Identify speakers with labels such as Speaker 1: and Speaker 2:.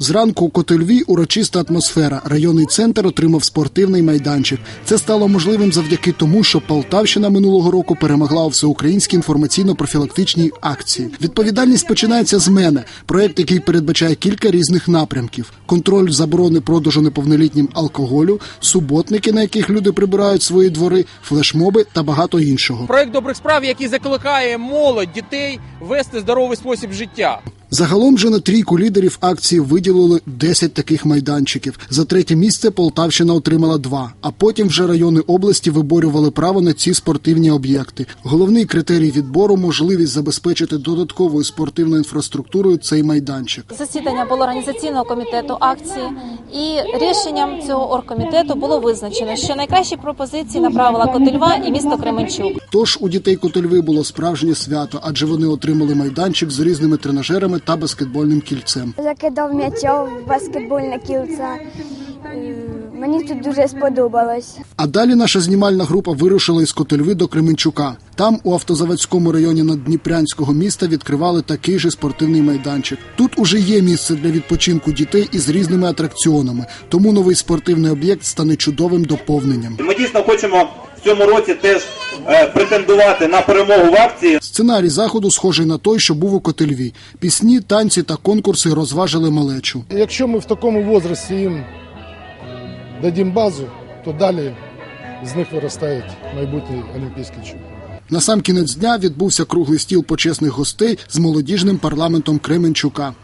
Speaker 1: Зранку у Котельві урочиста атмосфера. Районний центр отримав спортивний майданчик. Це стало можливим завдяки тому, що Полтавщина минулого року перемогла у всеукраїнській інформаційно-профілактичній акції. Відповідальність починається з мене. Проєкт, який передбачає кілька різних напрямків. Контроль заборони продажу неповнолітнім алкоголю, суботники, на яких люди прибирають свої двори, флешмоби та багато іншого.
Speaker 2: Проєкт добрих справ, який закликає молодь, дітей вести здоровий спосіб життя.
Speaker 1: Загалом же на трійку лідерів акції виділили 10 таких майданчиків. За третє місце Полтавщина отримала 2, а потім вже райони області виборювали право на ці спортивні об'єкти. Головний критерій відбору – можливість забезпечити додатковою спортивною інфраструктурою цей майданчик.
Speaker 3: Засідання було організаційного комітету акції, і рішенням цього оргкомітету було визначено, що найкращі пропозиції направила Котельва і місто Кременчук.
Speaker 1: Тож у дітей Котельви було справжнє свято, адже вони отримали майданчик з різними тренажерами та баскетбольним кільцем.
Speaker 4: Закидав м'яча в баскетбольне кільце. Мені тут дуже сподобалось.
Speaker 1: А далі наша знімальна група вирушила із Котельви до Кременчука. Там, у Автозаводському районі наддніпрянського міста, відкривали такий же спортивний майданчик. Тут уже є місце для відпочинку дітей із різними атракціонами, тому новий спортивний об'єкт стане чудовим доповненням.
Speaker 5: Ми дійсно хочемо в цьому році теж претендувати на перемогу в акції.
Speaker 1: Сценарій заходу схожий на той, що був у Котельві. Пісні, танці та конкурси розважили малечу.
Speaker 6: Якщо ми в такому віці їм дадим базу, то далі з них виростають майбутні олімпійські чемпіони.
Speaker 1: На сам кінець дня відбувся круглий стіл почесних гостей з молодіжним парламентом Кременчука.